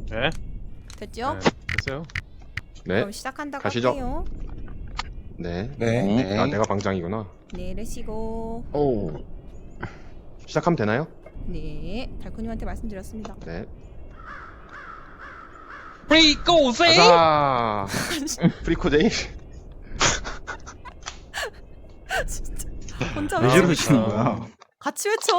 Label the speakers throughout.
Speaker 1: 네.
Speaker 2: 됐죠?
Speaker 1: 네. 됐어요.
Speaker 3: 네.
Speaker 2: 그럼 시작한다고
Speaker 3: 가시죠.
Speaker 2: 할게요.
Speaker 3: 네.
Speaker 4: 네.
Speaker 3: 아, 내가 방장이구나.
Speaker 2: 네, 레시고.
Speaker 3: 오. 시작하면 되나요?
Speaker 2: 네, 달코님한테 말씀드렸습니다.
Speaker 3: 네.
Speaker 4: 프리고세.
Speaker 3: 가자. 프리코제이.
Speaker 2: 진짜 혼자
Speaker 4: 왜
Speaker 2: 외치고
Speaker 4: 저러시는
Speaker 2: 있어.
Speaker 4: 거야?
Speaker 2: 같이 외쳐.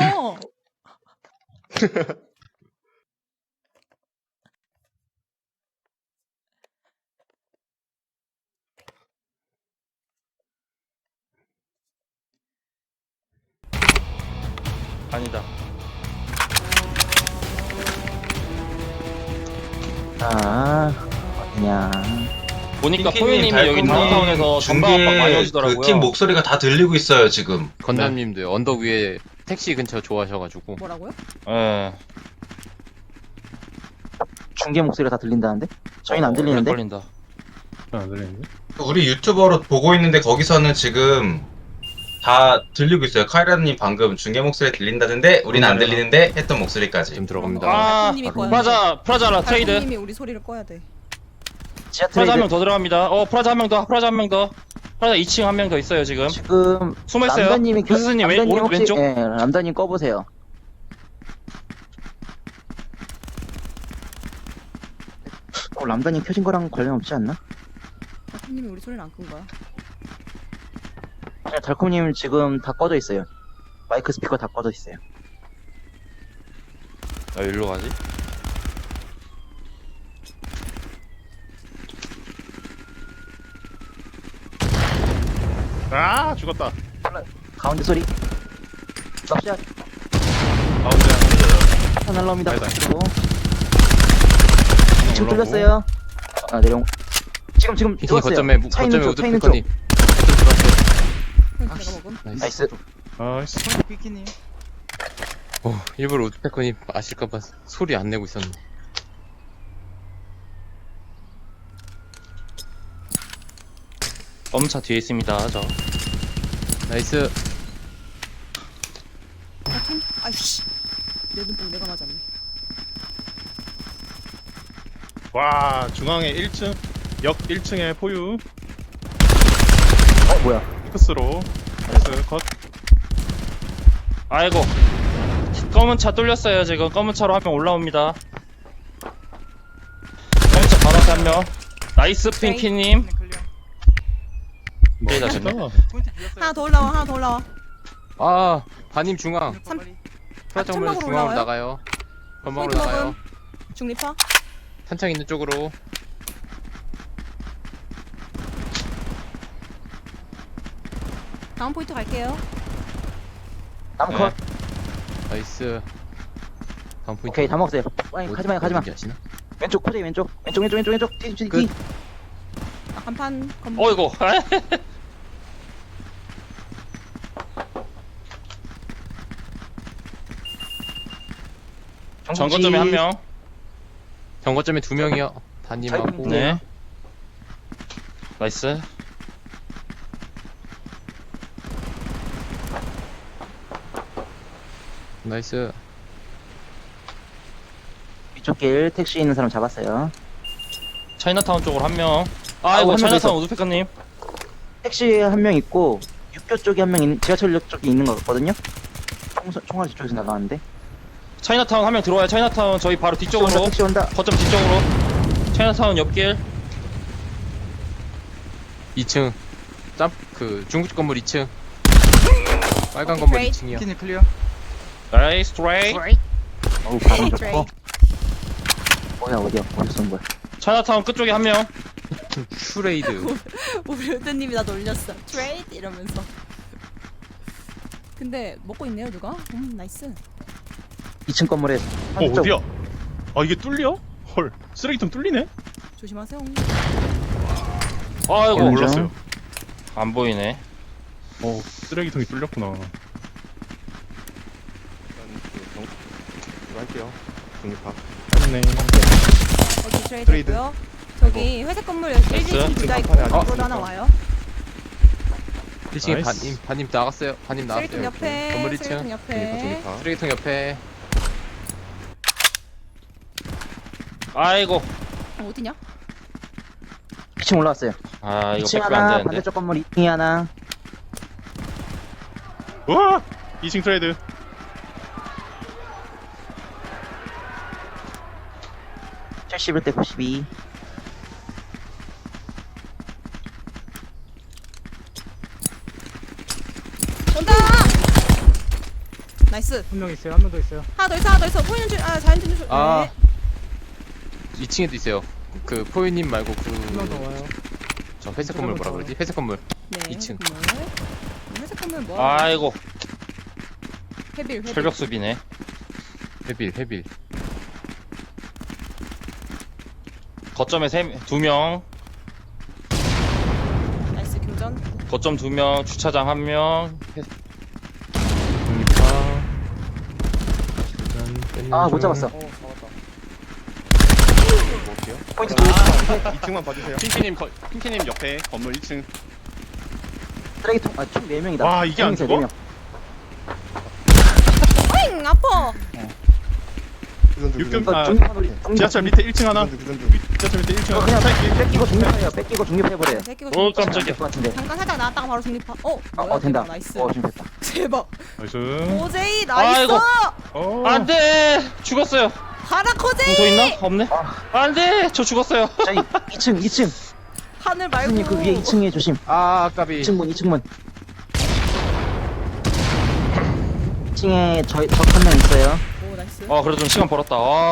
Speaker 5: 아니다.
Speaker 6: 어디냐.
Speaker 5: 보니까
Speaker 7: 핑키님,
Speaker 5: 포유님이 여기
Speaker 7: 달콤님,
Speaker 5: 다운타운에서 전방압박 많이
Speaker 7: 중계
Speaker 5: 오시더라고요.
Speaker 7: 그팀 목소리가 다 들리고 있어요 지금.
Speaker 3: 건담님도 언덕 위에 택시 근처 좋아하셔가지고.
Speaker 2: 뭐라고요?
Speaker 5: 예.
Speaker 6: 중계 목소리가 다 들린다는데? 저희는 안 들리는데?
Speaker 5: 걸린다.
Speaker 1: 안 들리는데?
Speaker 7: 우리 유튜버로 보고 있는데 거기서는 지금 다 들리고 있어요. 카이라님 방금 중계 목소리 들린다는데 우리는 안 들리는데 했던 목소리까지.
Speaker 3: 지금 들어갑니다.
Speaker 5: 아,
Speaker 2: 달코님이 꺼야 돼.
Speaker 5: 프라자라 트레이드.
Speaker 2: 달코님이 우리 소리를 꺼야 돼.
Speaker 6: 지하
Speaker 5: 프라자 한 명
Speaker 6: 트레이드
Speaker 5: 더 들어갑니다. 프라자 한 명 더. 프라자 한 명 더. 프라자 2층 한 명 더 있어요 지금.
Speaker 6: 지금
Speaker 5: 숨어 있어요.
Speaker 6: 람다님이
Speaker 5: 교수님 오른쪽
Speaker 6: 혹시-
Speaker 5: 왼쪽.
Speaker 6: 예, 람다님 꺼보세요. 람다님 켜진 거랑 관련 없지 않나?
Speaker 2: 달코님이 우리 소리를 안 끈 거야.
Speaker 6: 네, 달콤님 지금 다 꺼져 있어요. 마이크 스피커 다 꺼져 있어요.
Speaker 5: 나 일로 가지?
Speaker 1: 아, 죽었다.
Speaker 6: 가운데 소리. 납샷
Speaker 1: 가운데
Speaker 6: 다 날라옵니다.
Speaker 1: 아니다.
Speaker 6: 그리고 2층
Speaker 1: 올라오고.
Speaker 6: 뚫렸어요. 아 내려온. 지금
Speaker 3: 피킹
Speaker 6: 들어왔어요.
Speaker 3: 거점에
Speaker 6: 차 있는
Speaker 3: 거점에
Speaker 6: 쪽,
Speaker 3: 우드
Speaker 6: 차 있는
Speaker 3: 피커님.
Speaker 2: 내가 먹음.
Speaker 6: 나이스.
Speaker 1: 아이씨.
Speaker 4: 피키님.
Speaker 3: 일부러 우드 피커님 아실까봐 소리 안 내고 있었네.
Speaker 5: 검차 뒤에 있습니다. 저.
Speaker 3: 나이스.
Speaker 2: 달코님? 아이씨. 내 눈뽕 내가 맞았네.
Speaker 1: 와, 중앙에 1층. 역 1층에 포유.
Speaker 6: 뭐야?
Speaker 1: 피크스로. 나이스. 컷.
Speaker 5: 아이고. 검은 차 뚫렸어요 지금. 검은 차로 한 명 올라옵니다. 검은 차 바로 앞에 한 명. 나이스 핑키님. 네, 다 됐네.
Speaker 2: 하나 더 올라와, 하나 더 올라와.
Speaker 3: 아, 반님 중앙. 프라자
Speaker 2: 천막으로
Speaker 3: 오면 중앙으로
Speaker 2: 올라와요?
Speaker 3: 나가요. 건방으로
Speaker 2: 포인트
Speaker 3: 나가요.
Speaker 2: 먹음. 중립파.
Speaker 3: 탄창 있는 쪽으로.
Speaker 2: 다음 포인트 갈게요.
Speaker 6: 다음
Speaker 3: 네.
Speaker 6: 컷.
Speaker 3: 나이스. 다음 포인트.
Speaker 6: 오케이 다 먹었어요. 아니
Speaker 3: 어디-
Speaker 6: 가지마요 가지마.
Speaker 3: 어딘지 아시나?
Speaker 6: 왼쪽 코제 왼쪽. 왼쪽. 뒤.
Speaker 3: 끝.
Speaker 2: 아, 간판 건물.
Speaker 5: 어이구. 정거점에 한 명.
Speaker 3: 경거점에 2명이요. 반님하고.
Speaker 5: 네. 나이스.
Speaker 3: 나이스.
Speaker 6: 위쪽 길 택시 있는 사람 잡았어요.
Speaker 5: 차이나타운 쪽으로 한 명.
Speaker 6: 한명
Speaker 5: 아이고
Speaker 6: 더
Speaker 5: 차이나타운 우즈페카님.
Speaker 6: 택시에 한 명 있고 육교 쪽에 한 명 있는 지하철역 쪽에 있는 거 같거든요. 총알 쪽에서 나가는데.
Speaker 5: 차이나타운 한 명 들어와요. 차이나타운 저희 바로 뒤쪽으로.
Speaker 6: 택시 온다.
Speaker 5: 거점 뒤쪽으로. 차이나타운 옆길.
Speaker 3: 2층. 중국 건물 2층. 빨간 건물
Speaker 2: 오케이.
Speaker 3: 2층이요.
Speaker 4: 피키님 클리어.
Speaker 5: 나이스 트레이.
Speaker 6: 어우 발음
Speaker 2: 트레이.
Speaker 6: 좋고. 뭐야 어디야 어디서 온 거야?
Speaker 5: 차이나타운 끝쪽에 한 명.
Speaker 3: 슈레이드.
Speaker 2: 우리 의대님이 나 놀렸어. 트레이드 이러면서. 근데 먹고 있네요 누가? 나이스.
Speaker 6: 2층 건물에
Speaker 1: 어디야? 아, 이게 뚫려? 헐. 쓰레기통 뚫리네?
Speaker 2: 조심하세요.
Speaker 5: 아이고
Speaker 6: 어,
Speaker 1: 몰랐어요.
Speaker 5: 안 보이네.
Speaker 1: 쓰레기통이 뚫렸구나.
Speaker 3: 이거 할게요. 중립파.
Speaker 1: 맞네.
Speaker 2: 어디 트레이드
Speaker 3: 트레이드.
Speaker 2: 있고요. 저기 회색 건물 1층 둘다 있고
Speaker 3: 아,
Speaker 2: 앞으로 하나 와요.
Speaker 3: 1층에
Speaker 1: 나이스.
Speaker 3: 반님 나갔어요. 반님 나왔어요.
Speaker 2: 쓰레기통 옆에.
Speaker 3: 건물 1층.
Speaker 2: 쓰레기통 옆에.
Speaker 3: 쓰레기통 옆에.
Speaker 5: 아이고.
Speaker 2: 어디냐?
Speaker 6: 2층 올라왔어요.
Speaker 5: 아 이거
Speaker 6: 2층
Speaker 5: 뺏기면 안
Speaker 6: 하나,
Speaker 5: 되는데.
Speaker 6: 반대쪽 건물 2층이 하나.
Speaker 1: 우와! 2층 트레이드.
Speaker 6: 칠 71대 92.
Speaker 2: 온다! 나이스.
Speaker 4: 한 명 있어요. 한 명 더 있어요.
Speaker 2: 하나 더 있어, 하나 더 있어. 보이는 줄, 자연준 줄.
Speaker 3: 아.
Speaker 2: 네.
Speaker 3: 2층에도 있어요. 그 포유님 말고
Speaker 4: 한 명 더
Speaker 3: 그
Speaker 4: 와요.
Speaker 3: 저 회색 건물 뭐라 그러지? 회색 건물.
Speaker 2: 네.
Speaker 3: 2층.
Speaker 2: 회색 건물 뭐?
Speaker 5: 아이고
Speaker 2: 헤빌, 헤빌.
Speaker 5: 철벽 수비네.
Speaker 3: 회빌.
Speaker 5: 거점에 2명.
Speaker 2: 나이스, 교전.
Speaker 5: 거점 2명. 주차장 1명.
Speaker 6: 아, 못 잡았어.
Speaker 4: 잡았다.
Speaker 6: 포인트
Speaker 1: 아, 2층만 봐주세요. 핑키님 옆에 건물 1층.
Speaker 6: 쓰레기통, 총 4명이다.
Speaker 1: 와, 이게 안 죽어?
Speaker 2: 잉! 아파!
Speaker 1: 육금,
Speaker 6: 이거 중립판 우리,
Speaker 1: 지하철 밑에 1층 하나. 지하철 밑에 1층
Speaker 6: 그냥
Speaker 1: 하나.
Speaker 6: 뺏기고 중립해요. 뺏기고 중립해버려요.
Speaker 2: 새끼가
Speaker 5: 오 깜짝이야.
Speaker 6: 될것 같은데.
Speaker 2: 잠깐 살짝 나왔다가 바로 중립파. 뭐야,
Speaker 6: 된다.
Speaker 2: 나이스.
Speaker 6: 중립했다.
Speaker 2: 대박.
Speaker 1: 나이스.
Speaker 2: 오제이, 나이스!
Speaker 5: 아이고.
Speaker 1: 어.
Speaker 5: 안돼. 죽었어요.
Speaker 2: 가라, 코제이!
Speaker 5: 더 있나? 없네. 안돼. 저 죽었어요.
Speaker 6: 저희 2층.
Speaker 2: 하늘 말고.
Speaker 6: 선생님 그 위에 2층에 조심.
Speaker 3: 아, 까비.
Speaker 6: 2층 문. 2층에 적 한 명 있어요.
Speaker 2: 오, 나이스.
Speaker 5: 그래도 좀 시간 벌었다. 아.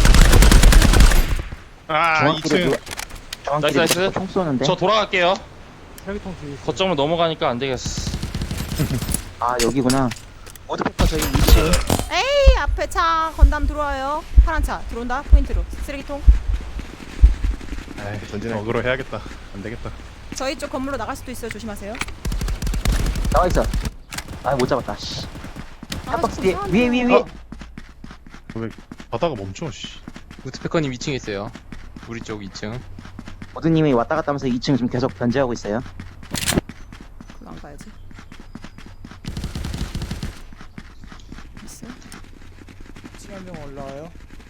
Speaker 1: 아, 2층.
Speaker 6: 정확히
Speaker 5: 나이스.
Speaker 6: 총 쏘는데.
Speaker 5: 저 돌아갈게요.
Speaker 4: 쓰레기통 뒤에 있어요.
Speaker 5: 거점을 넘어가니까 안 되겠어.
Speaker 6: 아, 여기구나. 모드페퍼 저희 2층.
Speaker 2: 에이, 앞에 차 건담 들어와요. 파란 차 들어온다. 포인트로. 쓰레기통.
Speaker 1: 에이, 어그로 해야겠다. 안 되겠다.
Speaker 2: 저희 쪽 건물로 나갈 수도 있어요. 조심하세요.
Speaker 6: 나와 있어. 아, 못 잡았다. 씨.
Speaker 2: 아,
Speaker 6: 핫박스
Speaker 2: 좀
Speaker 6: 뒤에.
Speaker 2: 이상한데요.
Speaker 6: 위에.
Speaker 1: 왜 바다가 멈춰, 씨.
Speaker 3: 우트패커님 2층에 있어요. 우리 쪽 2층.
Speaker 6: 모드님이 왔다 갔다 하면서 2층 지금 계속 견제하고 있어요.
Speaker 2: 그거 안 가야지. 있어.
Speaker 4: 지금 한 명 올라와요.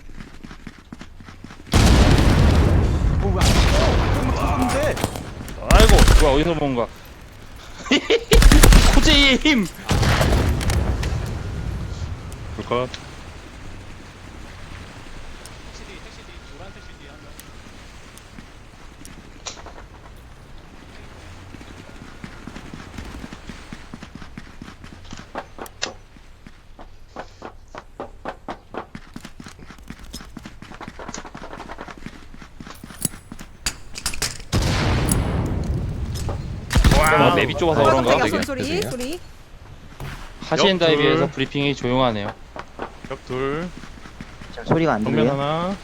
Speaker 5: 아이고 뭐야 어디서 본 거야. 코제이의 힘.
Speaker 1: 불컷.
Speaker 5: 맵이 좁아서 그런가?
Speaker 2: 깜짝이야. 소리.
Speaker 3: 죄송해요.
Speaker 2: 소리.
Speaker 5: 하시엔다에
Speaker 1: 옆둘.
Speaker 5: 비해서 브리핑이 조용하네요.
Speaker 1: 벽 둘.
Speaker 6: 지금 소리가 안
Speaker 1: 정면
Speaker 6: 들려요.
Speaker 1: 하나.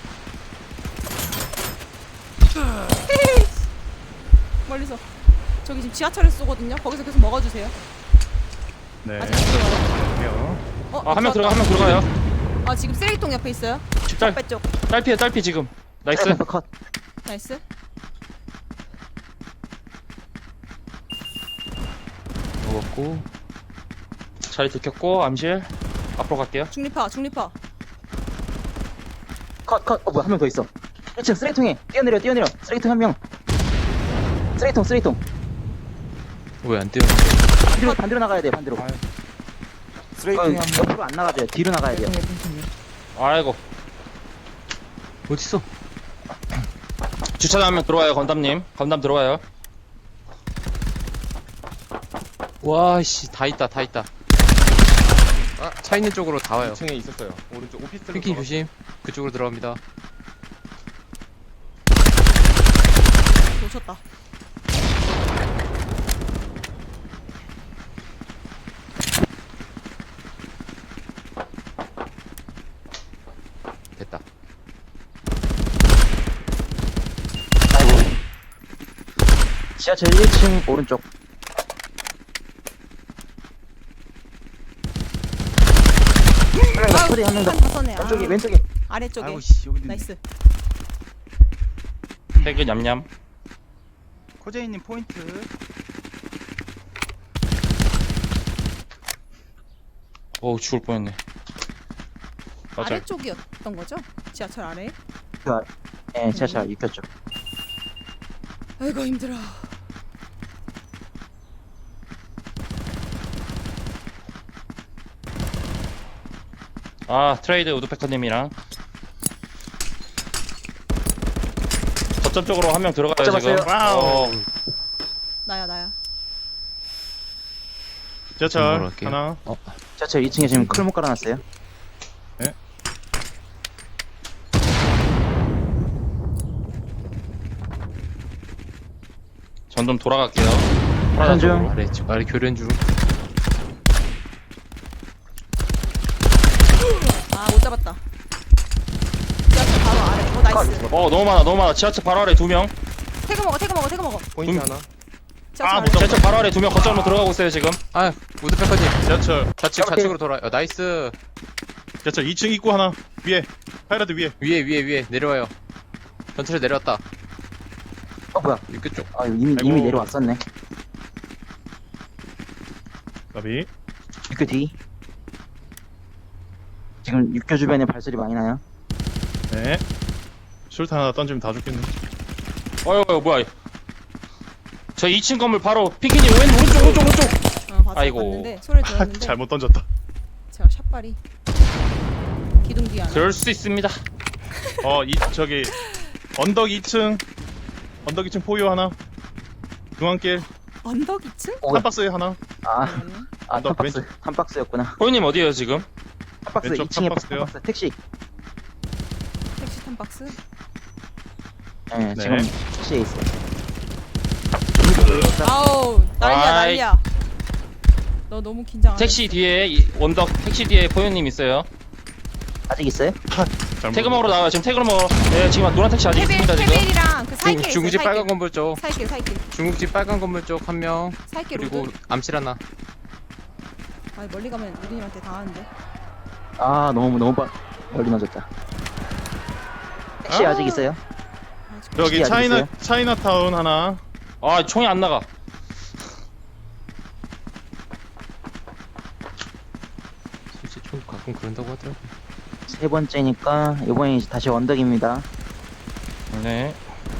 Speaker 2: 멀리서. 저기 지금 지하철에서 쏘거든요. 거기서 계속 먹어주세요.
Speaker 1: 네.
Speaker 2: 아직 안 들어와요.
Speaker 1: 갈게요.
Speaker 5: 한 명 들어가요.
Speaker 2: 아, 지금 쓰레기통 옆에 있어요.
Speaker 5: 딸,
Speaker 2: 옆에 쪽.
Speaker 5: 딸피 지금. 나이스.
Speaker 6: 쓰레기통 컷.
Speaker 2: 나이스.
Speaker 3: 먹었고.
Speaker 5: 자리 들켰고 암실. 앞으로 갈게요.
Speaker 2: 중립파.
Speaker 6: 컷. 뭐야, 한 명 더 있어. 1층 쓰레기통에 뛰어내려. 쓰레기통 한 명. 쓰레기통.
Speaker 3: 왜 안 뛰어?
Speaker 6: 반대로 나가야 돼, 반대로.
Speaker 4: 쓰레기통에 한 명.
Speaker 6: 옆으로 안 나가줘요. 뒤로 나가야 돼요.
Speaker 5: 아이고.
Speaker 3: 어딨어?
Speaker 5: 주차장 한 명 들어와요. 건담 들어와요.
Speaker 3: 와, 씨, 다 있다. 차 있는 쪽으로 다 와요.
Speaker 1: 2층에 있었어요. 오른쪽 오피스텔로.
Speaker 3: 핑키 조심. 그쪽으로 들어갑니다.
Speaker 2: 놓쳤다.
Speaker 3: 됐다.
Speaker 6: 지하철 1층 오른쪽. 한 명 더.
Speaker 2: 다 써네.
Speaker 6: 왼쪽에.
Speaker 2: 아래쪽에.
Speaker 3: 아이고, 씨, 여기 있네.
Speaker 2: 나이스.
Speaker 5: 태그 냠냠.
Speaker 4: 코제이님 포인트.
Speaker 5: 어우 죽을 뻔했네. 맞아.
Speaker 2: 아래쪽이었던 거죠? 지하철 아래.
Speaker 6: 그 네, 지하철 6교 쪽.
Speaker 2: 아이고 힘들어.
Speaker 5: 아 트레이드 우드패커님이랑 거점 쪽으로 한 명 들어가요 지금.
Speaker 6: 잡았어요.
Speaker 1: 와우.
Speaker 2: 나야.
Speaker 1: 지하철
Speaker 3: 갈게요.
Speaker 1: 하나.
Speaker 6: 지하철 2층에 지금 클목 깔아놨어요.
Speaker 5: 전 좀 돌아갈게요.
Speaker 6: 교전 중.
Speaker 3: 아래 교련 중.
Speaker 2: 아 못 잡았다. 지하철 바로 아래. 나이스.
Speaker 5: 너무 많아. 지하철 바로 아래 2명.
Speaker 2: 태그 먹어.
Speaker 1: 포인트 하나.
Speaker 2: 지하철
Speaker 1: 아,
Speaker 2: 아래.
Speaker 1: 못 잡-
Speaker 5: 지하철 바로 아래 2명 거점으로 들어가고 있어요 지금.
Speaker 3: 아 우드패커님
Speaker 1: 지하철.
Speaker 3: 좌측으로 돌아요. 나이스.
Speaker 1: 지하철 2층 입구 하나. 위에. 카이라드 위에.
Speaker 3: 위에 내려와요. 전철에 내려왔다.
Speaker 6: 뭐야?
Speaker 3: 육교 쪽.
Speaker 6: 아, 이미
Speaker 1: 아이고.
Speaker 6: 내려왔었네.
Speaker 1: 나비.
Speaker 6: 6교 뒤. 지금 6교 주변에 발소리 많이 나요.
Speaker 1: 네. 술타 하나 던지면 다 죽겠네.
Speaker 5: 어휴 뭐야. 저 2층 건물 바로 피키님 오른쪽. 아이고.
Speaker 2: 봤는데 소리 들었는데
Speaker 1: 잘못 던졌다.
Speaker 2: 제가 샷발이 기둥 뒤에 하나.
Speaker 5: 그럴 수 있습니다.
Speaker 1: 저기 언덕 2층. 언덕 2층 포유 하나. 중앙길
Speaker 2: 언덕 2층?
Speaker 6: 오,
Speaker 1: 한 박스에 하나.
Speaker 6: 아, 탐박스였구나.
Speaker 5: 호이님 어디에요 지금?
Speaker 6: 탐박스
Speaker 1: 왼쪽
Speaker 6: 2층에
Speaker 1: 탐박스요?
Speaker 6: 탐박스 택시.
Speaker 2: 택시 탐박스.
Speaker 6: 네,
Speaker 1: 네.
Speaker 6: 지금 택시에 있어요.
Speaker 2: 아우 난리야.
Speaker 5: 아이.
Speaker 2: 너 너무 긴장. 안 해.
Speaker 5: 택시 뒤에 원덕 택시 뒤에 포유님 있어요.
Speaker 6: 아직 있어요?
Speaker 1: 잘못
Speaker 5: 태그 먹으러 나와요. 지금 태그를 먹어. 네 지금 노란 택시 아직 있습니다 지금.
Speaker 2: 케빌이랑 그 사이길 있어요.
Speaker 3: 중국집 빨간 건물 쪽.
Speaker 2: 사이길.
Speaker 3: 중국집 빨간 건물 쪽 한 명.
Speaker 2: 사이길
Speaker 3: 그리고
Speaker 2: 로드.
Speaker 3: 암실 하나.
Speaker 2: 아 멀리 가면 우리님한테 당하는데.
Speaker 6: 아, 너무 멀리 맞았다. 택시
Speaker 1: 아.
Speaker 6: 아직 있어요?
Speaker 1: 여기
Speaker 6: 아직 있어요?
Speaker 1: 차이나타운 하나.
Speaker 5: 아 총이 안 나가.
Speaker 3: 솔직히 좀 가끔 그런다고 하더라고.
Speaker 6: 세 번째니까 이번에 다시 언덕입니다.
Speaker 5: 네.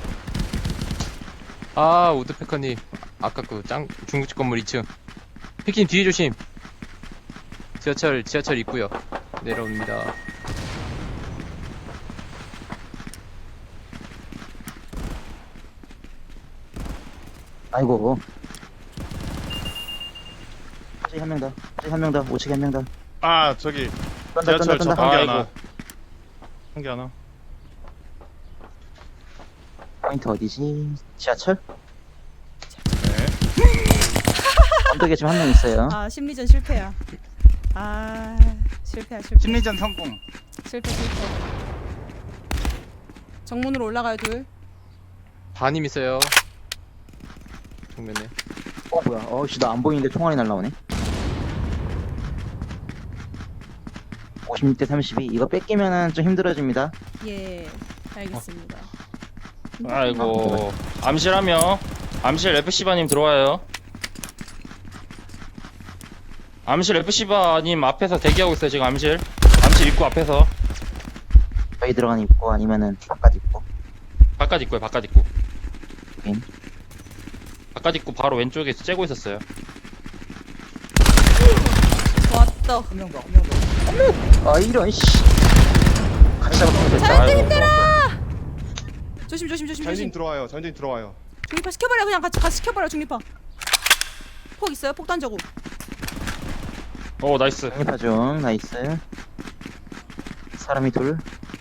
Speaker 3: 아 우드패커님 아까 그 중국집 건물 2층. 피키님 뒤에 조심. 지하철 입구요. 내려옵니다.
Speaker 6: 아이고. 저기 한 명 더. 저기 한 명 더. 우측에 한 명 더.
Speaker 1: 아 저기
Speaker 6: 떤다.
Speaker 1: 지하철 저 한 개 하나.
Speaker 5: 아이고.
Speaker 1: 한 개 하나.
Speaker 6: 포인트 어디지? 지하철?
Speaker 1: 네.
Speaker 6: 언덕에 지금 한 명 있어요.
Speaker 2: 아 심리전 실패야. 아 실패야.
Speaker 4: 심리전 성공.
Speaker 2: 실패. 정문으로 올라가요 둘.
Speaker 3: 반임 있어요. 정면에.
Speaker 6: 뭐야? 어씨, 나 안 보이는데 총알이 날라오네. 56대 32. 이거 뺏기면은 좀 힘들어집니다.
Speaker 2: 예 알겠습니다.
Speaker 5: 아이고. 암실 한 명. 암실 FC바님 들어와요. 암실 FC바님 앞에서 대기하고 있어요 지금 암실 입구 앞에서.
Speaker 6: 저희 들어가는 입구 아니면은 바깥 입구.
Speaker 5: 바깥 입구에 바깥 입구.
Speaker 6: 확인.
Speaker 5: 바깥 입구 바로 왼쪽에 째고 있었어요.
Speaker 2: 왔다.
Speaker 4: 한 명 더.
Speaker 6: 아, 이런 씨. 같이 잡았으면 됐다.
Speaker 2: 자연진 힘들어. 조심.
Speaker 8: 자연진 들어와요.
Speaker 2: 중립파 시켜버려. 그냥 같이 시켜버려. 중립파. 폭 있어요? 폭 던져고.
Speaker 5: 오 나이스.
Speaker 6: 중립파 중. 나이스. 사람이 둘.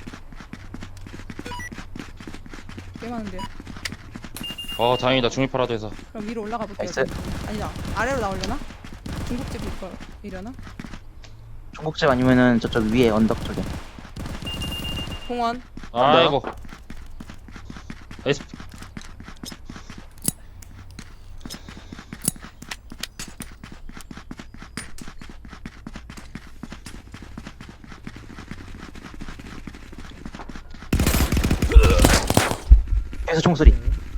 Speaker 2: 꽤 많은데요.
Speaker 5: 다행이다 중립파라도 해서.
Speaker 2: 그럼 위로 올라가 볼게요.
Speaker 6: 나이스.
Speaker 2: 아니다. 아래로 나오려나? 중국집 이려나?
Speaker 6: 중국집 아니면은 저쪽 위에 언덕 쪽에.
Speaker 2: 공원.
Speaker 5: 아이고. 나이스.
Speaker 6: 계속 총소리.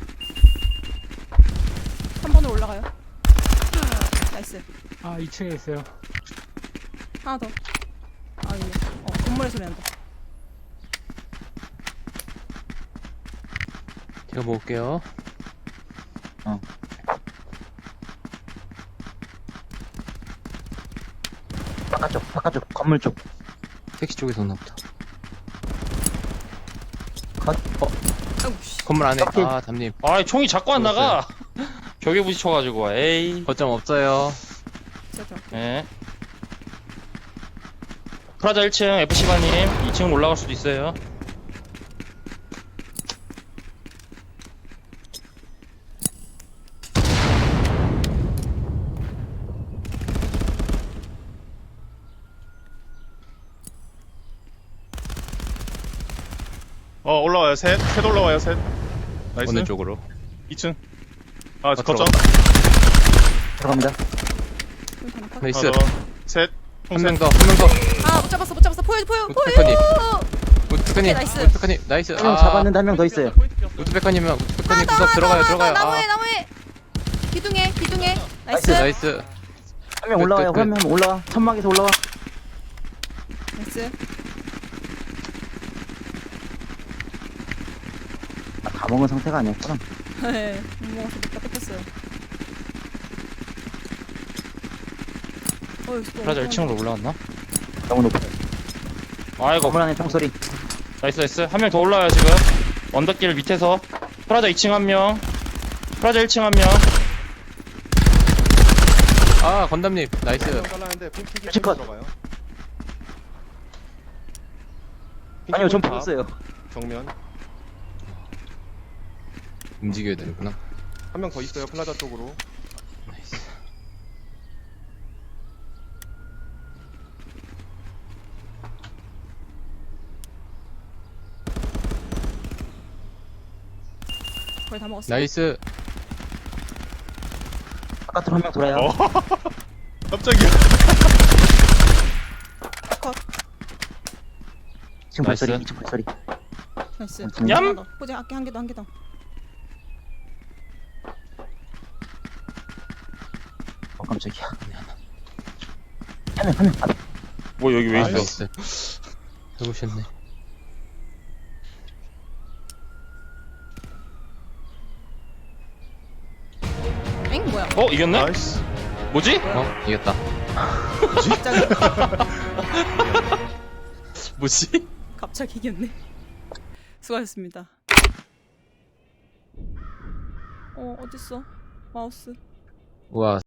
Speaker 2: 3번으로 올라가요. 나이스.
Speaker 4: 아 2층에 있어요.
Speaker 2: 하나 더. 아, 예. 건물에 소리 난다.
Speaker 3: 제가 먹을게요.
Speaker 6: 바깥쪽 건물 쪽.
Speaker 3: 택시 쪽에서 오나 보다.
Speaker 6: 컷.
Speaker 2: 아이고 씨.
Speaker 3: 건물 안에.
Speaker 6: 오케이.
Speaker 3: 아, 담님.
Speaker 5: 아 총이 자꾸 안 나가. 벽에 부딪혀가지고 에이.
Speaker 3: 거점 없어요.
Speaker 2: 제가
Speaker 5: 예. 프라자 1층 F시바님 2층 올라갈 수도 있어요.
Speaker 1: 올라와요. 셋 올라와요. 셋. 나이스.
Speaker 3: 어느 쪽으로?
Speaker 1: 2층. 아, 거점.
Speaker 6: 들어갑니다.
Speaker 3: 나이스.
Speaker 1: 하나 더. 셋.
Speaker 3: 한 명 더, 한 명 더.
Speaker 2: 아못 잡았어 못 잡았어. 포유
Speaker 3: 우트페커님. 우트페커님.
Speaker 2: 나이스.
Speaker 3: 우트페커님. 나이스.
Speaker 6: 한 명 잡았는데 한 명 더 있어요.
Speaker 3: 우트페커님은 우트페커님 구석 들어가요, 들어가요.
Speaker 2: 나무에
Speaker 3: 아,
Speaker 2: 나무에 기둥에 나이스
Speaker 3: 나이스.
Speaker 6: 한 명 올라와요.
Speaker 3: 끝.
Speaker 6: 한 명 올라와. 천막에서 올라와.
Speaker 2: 나이스.
Speaker 6: 아, 다 먹은 상태가 아니었구나.
Speaker 2: 네, 못 먹어서 못 뺏겼어요.
Speaker 5: 프라자 1층으로 올라갔나?
Speaker 6: 너무 높아.
Speaker 5: 아이고.
Speaker 6: 건물 안에 총소리.
Speaker 5: 나이스. 한 명 더 올라와요 지금. 언덕길 밑에서. 프라자 2층 한 명. 프라자 1층 한 명.
Speaker 3: 아, 건담님. 나이스.
Speaker 6: 컷. 아니요, 전 보였어요.
Speaker 8: 정면
Speaker 3: 움직여야 되는구나.
Speaker 8: 한 명 더 있어요. 플라자 쪽으로.
Speaker 3: 나이스.
Speaker 2: 거의 다 먹었어.
Speaker 3: 나이스.
Speaker 6: 바깥으로 한 명 돌아요.
Speaker 1: 깜짝이야.
Speaker 2: 컷.
Speaker 6: 지금
Speaker 5: 나이스.
Speaker 6: 발소리. 2층 발소리.
Speaker 2: 나이스.
Speaker 6: 얌!
Speaker 2: 하나 더. 포장 아껴 한 개 더.
Speaker 6: 깜짝이야. 한 명. 아,
Speaker 5: 뭐 여기 왜
Speaker 3: 아,
Speaker 5: 있어?
Speaker 3: 나이스. 해보셨네.
Speaker 2: 엥 뭐야?
Speaker 5: 이겼네?
Speaker 1: 나이스.
Speaker 5: 뭐지?
Speaker 3: 이겼다.
Speaker 2: 갑자기
Speaker 3: 뭐지?
Speaker 2: 갑자기 이겼네. 수고하셨습니다. 어딨어? 마우스.
Speaker 3: 우와.